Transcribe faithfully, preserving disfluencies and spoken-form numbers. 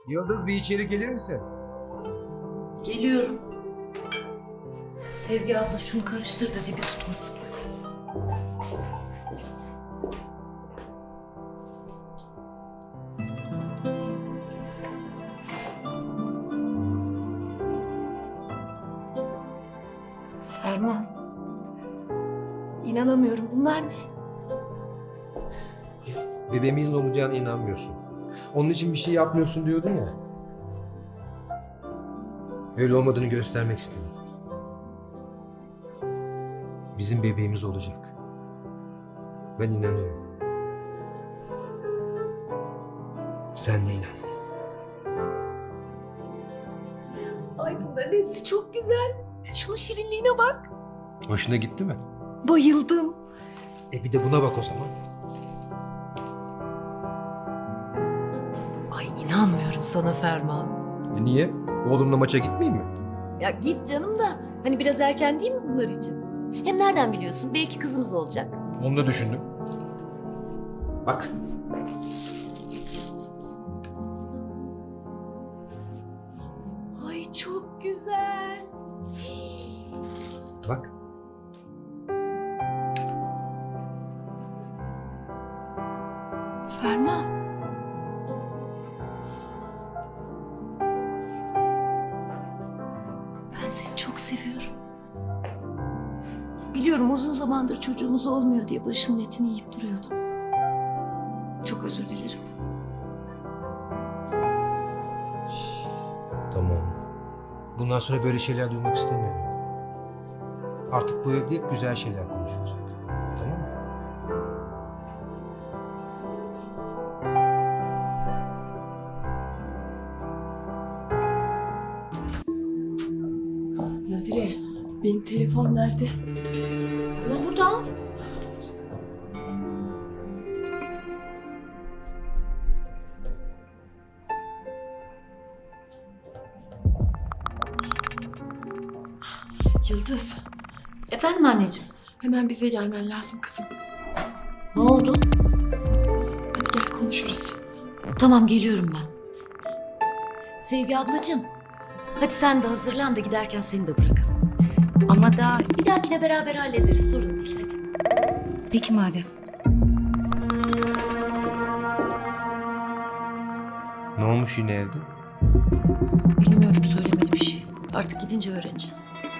Yıldız, bir içeri gelir misin? Geliyorum. Sevgi abla şunu karıştır da dibi tutmasın. Ferman. İnanamıyorum. Bunlar ne? Bebeğimizin olacağına inanmıyorsun. Onun için bir şey yapmıyorsun diyordun ya. Öyle olmadığını göstermek istedim. Bizim bebeğimiz olacak. Ben inanıyorum. Sen de inan. Ay bunların hepsi çok güzel. Şunun şirinliğine bak. Hoşuna gitti mi? Bayıldım. E bir de buna bak o zaman. Ay inanmıyorum sana Ferman. E niye? Oğlumla maça gitmeyeyim mi? Ya git canım da hani biraz erken değil mi bunlar için? Hem nereden biliyorsun? Belki kızımız olacak. Onu da düşündüm. Bak. Ay çok güzel. Bak. Ferman. Ben seni çok seviyorum. Biliyorum uzun zamandır çocuğumuz olmuyor diye başının etini yiyip duruyordum. Çok özür dilerim. Tamam. Bundan sonra böyle şeyler duymak istemiyorum. Artık bu evde hep güzel şeyler konuşulacak. Tamam mı? Nazire, benim telefon nerede? Ulan burada al. Yıldız, Efendim anneciğim. hemen bize gelmen lazım kızım. Ne oldu? Hadi gel konuşuruz. Tamam geliyorum ben. Sevgi ablacığım. Hadi sen de hazırlan da giderken seni de bırakalım. Ama daha Bir dahakine beraber hallederiz, sorun değil, hadi. peki madem. Ne olmuş yine evde? Bilmiyorum, söylemedi bir şey. Artık gidince öğreneceğiz.